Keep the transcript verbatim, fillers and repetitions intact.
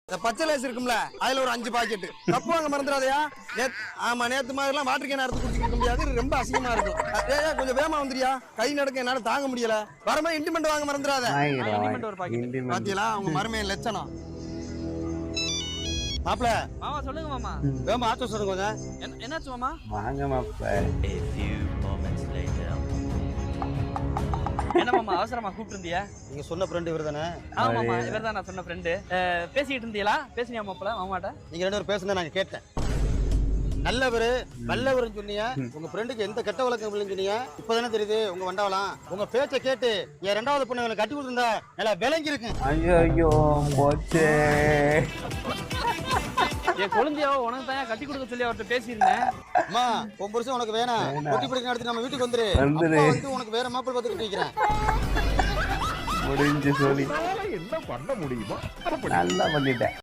இந்த பச்சை லேஸ் இருக்கும்ல அதுல ஒரு அஞ்சு பாக்கெட் கப்பு வாங்க மறந்துடாதயா. ஆமா நேத்து மாதிரி எல்லாம் வாட்டர் கேன் எடுத்து குடிச்சிக்க முடியாது, ரொம்ப அசிங்கமா இருக்கும். ஏயா கொஞ்சம் வேகமா வந்துறியா, கை நடக்க என்னால தாங்க முடியல. வரமா இன்டிமெண்ட் வாங்க மறந்துடாத. பாத்தீங்களா உங்க மருமையின் லட்சணம். மாப்ள மாமா சொல்லுங்க மாமா. வேகமா ஆட்டோ சொல்லுங்க கொஞ்சம். என்னாச்சு மாமா? வாங்க மாப்ள. A few moments later. என்ன மாமா அவசரமா கூப்பிட்டு இருந்தியா? நீங்க சொன்ன ஃப்ரெண்ட் இவர் தானே? ஆமா மாமா இவர் தான் நான் சொன்ன ஃப்ரெண்டு. பேசிட்டு இருந்தீங்களா? பேசினியா மாப்ள மாமாட்ட? நீங்க ரெண்டு பேரும் பேசுனதை நான் கேட்டேன். நல்லவரு நல்லவருன்னு சொன்னீங்க, உங்க ஃப்ரெண்டுக்கு எந்த கெட்ட வழக்கம் இல்லைன்னு சொன்னீங்க. இப்பதானே தெரியுது உங்க வண்டாவலாம். உங்க பேச்சை கேட்டு என் ரெண்டாவது பொண்ணு எனக்கு கட்டி கொடுத்துருந்தா நல்லா விளங்கி இருக்கு. ஐயோ ஐயோ போச்சே. என் குழந்தையாவோ உனக்கு தான் கட்டி கொடுக்க சொல்லி அவர்கிட்ட பேசியிருந்தேன். அம்மா உன் புருஷன் உனக்கு வேணாம், கொட்டி பிடிக்க நடத்தி நம்ம வீட்டுக்கு வந்துரு. வந்துரு. அப்பா வந்து உனக்கு வேற மாப்பிள்ளை பார்த்துக்கிட்டு இருக்கிறேன். முடிஞ்சு சொல்லி என்ன பண்ண முடியுமா நல்லா பண்ணிட்டேன்.